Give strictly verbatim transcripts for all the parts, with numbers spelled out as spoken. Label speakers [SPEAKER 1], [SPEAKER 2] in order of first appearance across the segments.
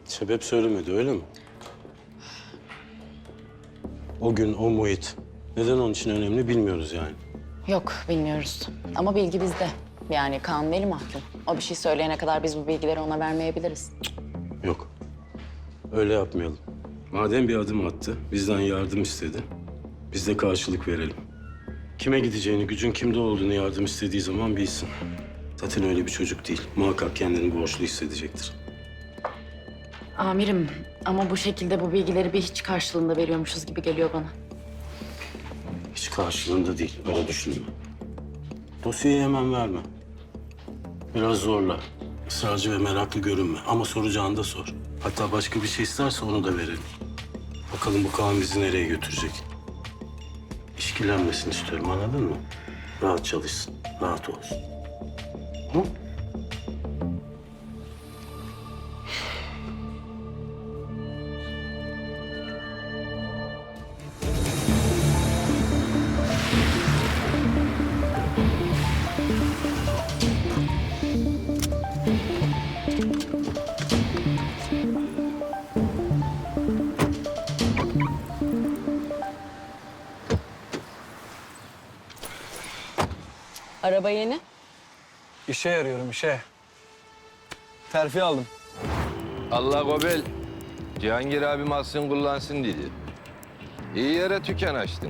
[SPEAKER 1] Sebep söylemedi öyle mi? O gün o muhit. Neden onun için önemli bilmiyoruz yani.
[SPEAKER 2] Yok, bilmiyoruz. Ama bilgi bizde. Yani Kaan veli mahkum. O bir şey söyleyene kadar biz bu bilgileri ona vermeyebiliriz.
[SPEAKER 1] Yok. Öyle yapmayalım. Madem bir adım attı, bizden yardım istedi. Biz de karşılık verelim. Kime gideceğini, gücün kimde olduğunu yardım istediği zaman bilsin. Zaten öyle bir çocuk değil. Muhakkak kendini borçlu hissedecektir.
[SPEAKER 2] Amirim ama bu şekilde bu bilgileri bir hiç karşılığında veriyormuşuz gibi geliyor bana.
[SPEAKER 1] Hiç karşılığında değil, öyle düşünme. Dosyayı hemen verme. Biraz zorla. Israrcı ve meraklı görünme. Ama soracağını da sor. Hatta başka bir şey isterse onu da verelim. Bakalım bu Kaan bizi nereye götürecek. İşkillenmesini istiyorum, anladın mı? Rahat çalışsın, rahat olsun. Hı?
[SPEAKER 2] Araba yeni.
[SPEAKER 3] İşe yarıyorum, işe. Terfi aldım.
[SPEAKER 4] Allah gobel. Cihangir abim alsın kullansın dedi. İyi yere tüken açtın.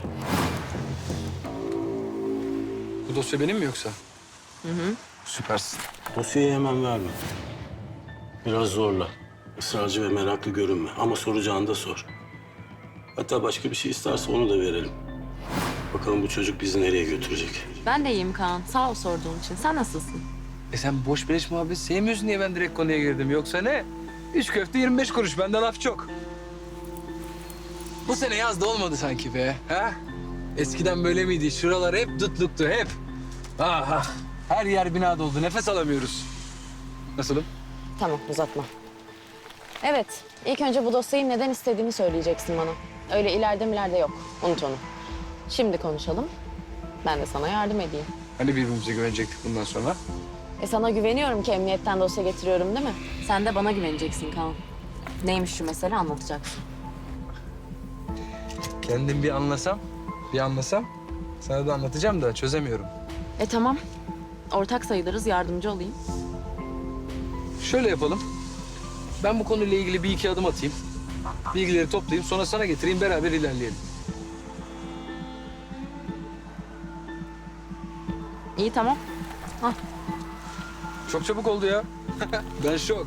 [SPEAKER 3] Bu dosya benim mi yoksa? Hı hı. Süpersin.
[SPEAKER 1] Dosyayı hemen verme. Biraz zorla. Israrcı ve meraklı görünme. Ama soracağını da sor. Hatta başka bir şey isterse onu da verelim. Bakalım bu çocuk bizi nereye götürecek.
[SPEAKER 2] Ben de iyiyim Kaan. Sağ ol sorduğun için. Sen nasılsın?
[SPEAKER 3] E sen boş beleş muhabbet sevmiyorsun diye ben direkt konuya girdim. Yoksa ne? Üç köfte yirmi beş kuruş. Bende laf çok. Bu sene yaz da olmadı sanki be. Ha? Eskiden böyle miydi? Şuralar hep dutluktu, hep. Aha. Her yer bina doldu. Nefes alamıyoruz. Nasılım?
[SPEAKER 2] Tamam, uzatma. Evet, ilk önce bu dosyayı neden istediğini söyleyeceksin bana. Öyle ileride milerde yok. Unut onu. Şimdi konuşalım. Ben de sana yardım edeyim.
[SPEAKER 3] Hani birbirimize güvenecektik bundan sonra?
[SPEAKER 2] E sana güveniyorum ki emniyetten dosya getiriyorum değil mi? Sen de bana güveneceksin Kaan. Neymiş şu mesele anlatacaksın.
[SPEAKER 3] Kendim bir anlasam, bir anlasam sana da anlatacağım da çözemiyorum.
[SPEAKER 2] E tamam. Ortak sayılırız, yardımcı olayım.
[SPEAKER 3] Şöyle yapalım. Ben bu konuyla ilgili bir iki adım atayım. Bilgileri toplayayım, sonra sana getireyim, beraber ilerleyelim.
[SPEAKER 2] İyi tamam. Hah.
[SPEAKER 3] Çok çabuk oldu ya. Ben şok.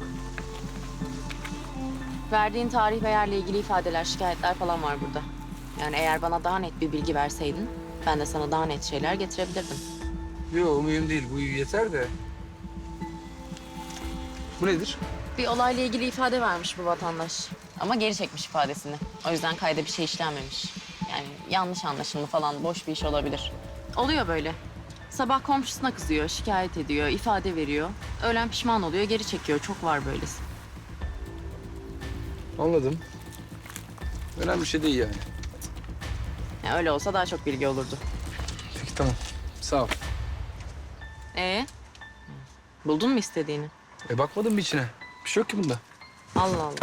[SPEAKER 2] Verdiğin tarih ve yerle ilgili ifadeler, şikayetler falan var burada. Yani eğer bana daha net bir bilgi verseydin, ben de sana daha net şeyler getirebilirdim.
[SPEAKER 3] Yok, mühim değil. Bu yeter de. Bu nedir?
[SPEAKER 2] Bir olayla ilgili ifade vermiş bu vatandaş. Ama geri çekmiş ifadesini. O yüzden kayda bir şey işlenmemiş. Yani yanlış anlaşılma falan, boş bir iş olabilir. Oluyor böyle. Sabah komşusuna kızıyor, şikayet ediyor, ifade veriyor. Öğlen pişman oluyor, geri çekiyor. Çok var böylesi.
[SPEAKER 3] Anladım. Önemli bir şey değil yani.
[SPEAKER 2] Yani öyle olsa daha çok bilgi olurdu.
[SPEAKER 3] Peki tamam. Sağ ol.
[SPEAKER 2] Ee, buldun mu istediğini?
[SPEAKER 3] E bakmadım mı içine? Bir şey yok ki bunda.
[SPEAKER 2] Allah Allah.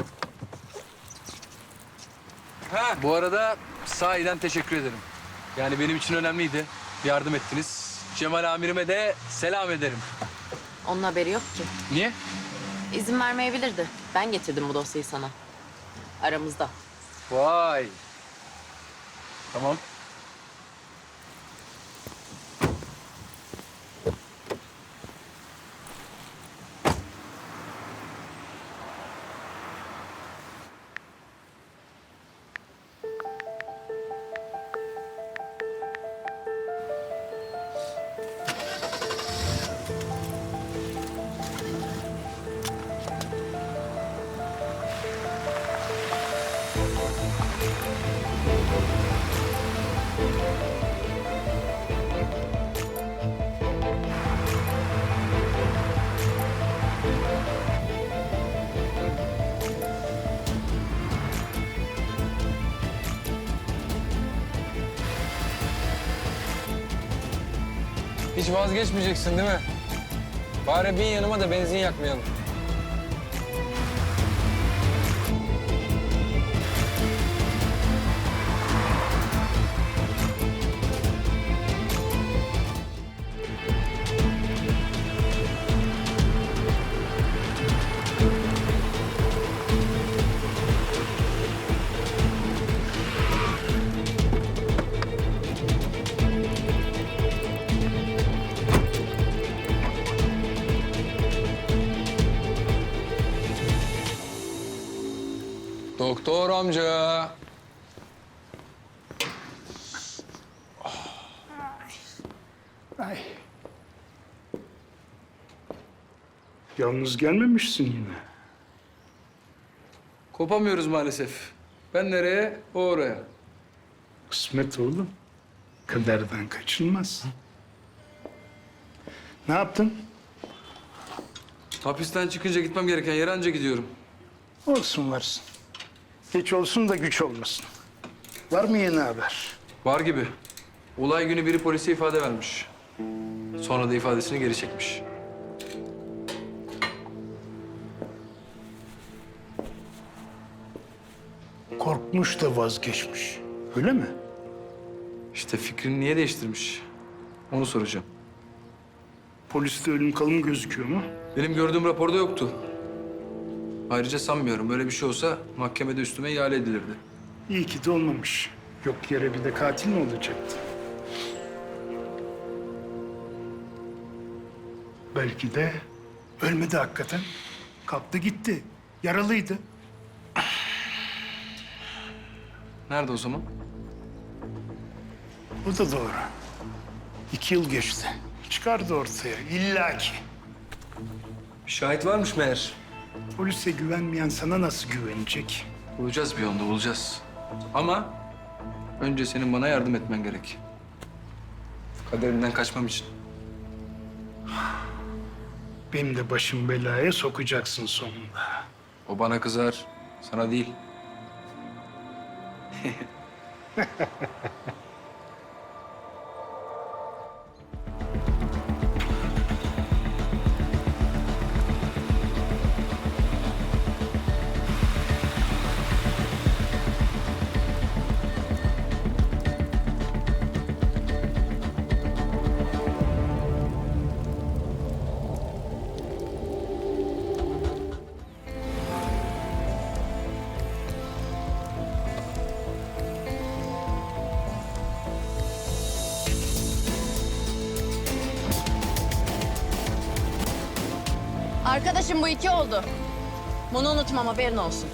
[SPEAKER 3] Ha, bu arada sahiden teşekkür ederim. Yani benim için önemliydi. Yardım ettiniz. Cemal amirime de selam ederim.
[SPEAKER 2] Onun haberi yok ki.
[SPEAKER 3] Niye?
[SPEAKER 2] İzin vermeyebilirdi. Ben getirdim bu dosyayı sana. Aramızda.
[SPEAKER 3] Vay. Tamam. Hiç vazgeçmeyeceksin değil mi? Bari bin yanıma da benzin yakmayalım. Doktor amca.
[SPEAKER 5] Ay. Yalnız gelmemişsin yine.
[SPEAKER 3] Kopamıyoruz maalesef. Ben nereye, o oraya.
[SPEAKER 5] Kısmet oğlum. Kaderden kaçılmaz. Ne yaptın?
[SPEAKER 3] Hapisten çıkınca gitmem gereken yere anca gidiyorum.
[SPEAKER 5] Olsun varsın. Geç olsun da güç olmasın. Var mı yeni haber?
[SPEAKER 3] Var gibi. Olay günü biri polise ifade vermiş. Sonra da ifadesini geri çekmiş.
[SPEAKER 5] Korkmuş da vazgeçmiş. Öyle mi?
[SPEAKER 3] İşte fikrini niye değiştirmiş? Onu soracağım.
[SPEAKER 5] Poliste ölüm kalım gözüküyor mu?
[SPEAKER 3] Benim gördüğüm raporda yoktu. Ayrıca sanmıyorum. Böyle bir şey olsa mahkemede üstüme ihale edilirdi.
[SPEAKER 5] İyi ki de olmamış. Yok yere bir de katil mi olacaktı? Belki de ölmedi hakikaten. Kalktı gitti. Yaralıydı.
[SPEAKER 3] Nerede o zaman?
[SPEAKER 5] Bu da doğru. İki yıl geçti. Çıkardı ortaya illaki.
[SPEAKER 3] Bir şahit varmış meğer.
[SPEAKER 5] Polise güvenmeyen sana nasıl güvenecek?
[SPEAKER 3] Bulacağız bir yolunu, bulacağız. Ama önce senin bana yardım etmen gerek. Kaderimden kaçmam için.
[SPEAKER 5] Benim de başım belaya sokacaksın sonunda.
[SPEAKER 3] O bana kızar, sana değil.
[SPEAKER 2] Arkadaşım bu iki oldu. Bunu unutmam, haberin olsun.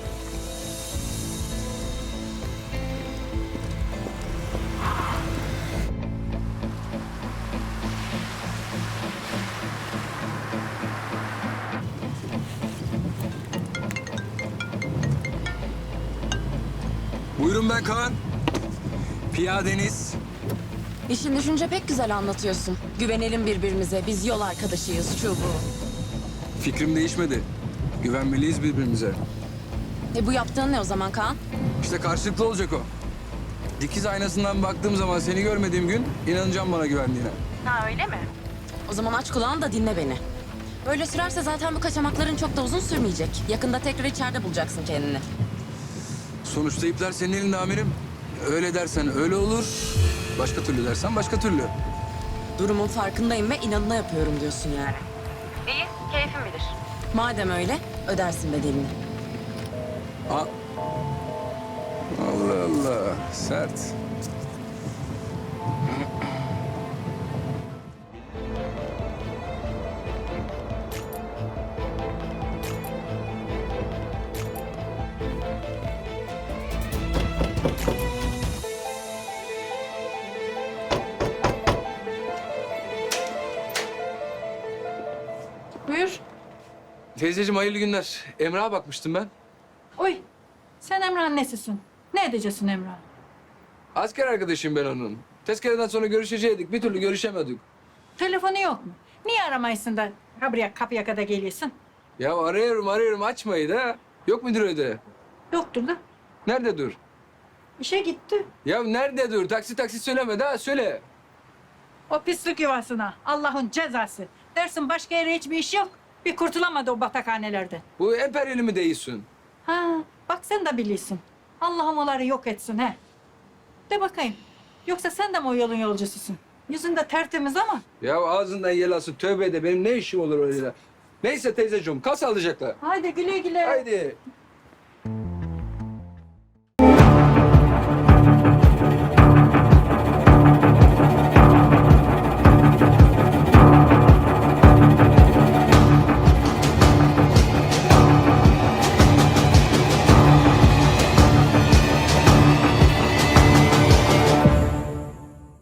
[SPEAKER 3] Buyurun ben Kaan. Piyadeniz.
[SPEAKER 2] İşin düşünce pek güzel anlatıyorsun. Güvenelim birbirimize, biz yol arkadaşıyız, şu bu.
[SPEAKER 3] Fikrim değişmedi. Güvenmeliyiz birbirimize.
[SPEAKER 2] E bu yaptığın ne o zaman Kaan?
[SPEAKER 3] İşte karşılıklı olacak o. Dikiz aynasından baktığım zaman seni görmediğim gün inanacağım bana güvendiğine.
[SPEAKER 2] Ha öyle mi? O zaman aç kulağını da dinle beni. Böyle sürerse zaten bu kaçamakların çok da uzun sürmeyecek. Yakında tekrar içeride bulacaksın kendini.
[SPEAKER 3] Sonuçta ipler senin elinde amirim. Öyle dersen öyle olur. Başka türlü dersen başka türlü.
[SPEAKER 2] Durumun farkındayım ve inadına yapıyorum diyorsun yani. İyi, keyfin bilir. Madem öyle, ödersin bedelini.
[SPEAKER 3] Ha. Allah Allah. Sert.
[SPEAKER 6] Buyur.
[SPEAKER 3] Teyzeciğim hayırlı günler. Emrah'a bakmıştım ben.
[SPEAKER 6] Oy. Sen Emrah'ın nesisin? Ne edeceksin Emrah?
[SPEAKER 3] Asker arkadaşıyım ben onun. Tezkereden sonra görüşecektik. Bir türlü görüşemedik.
[SPEAKER 6] Telefonu yok mu? Niye aramayısın da ha buraya kapıya kadar geliyorsun?
[SPEAKER 3] Ya arıyorum arıyorum açmayı da. Yok mudur öyle?
[SPEAKER 6] Yoktur da.
[SPEAKER 3] Nerede dur?
[SPEAKER 6] İşe gitti.
[SPEAKER 3] Ya nerede dur? Taksi taksi söyleme daha söyle.
[SPEAKER 6] O pislik yuvasına. Allah'ın cezası. Dersin başka yere hiçbir iş yok. Bir kurtulamadı o batakhanelerden.
[SPEAKER 3] Bu emperyali mi değilsin?
[SPEAKER 6] Ha, bak sen de biliyorsun. Allah'ım onları yok etsin he. De bakayım. Yoksa sen de mi o yolun yolcususun? Yüzün de tertemiz ama.
[SPEAKER 3] Ya ağzından yel alsın tövbe de benim ne işim olur öyle. Neyse teyzeciğim kal sağlıcakla.
[SPEAKER 6] Haydi güle güle.
[SPEAKER 3] Haydi.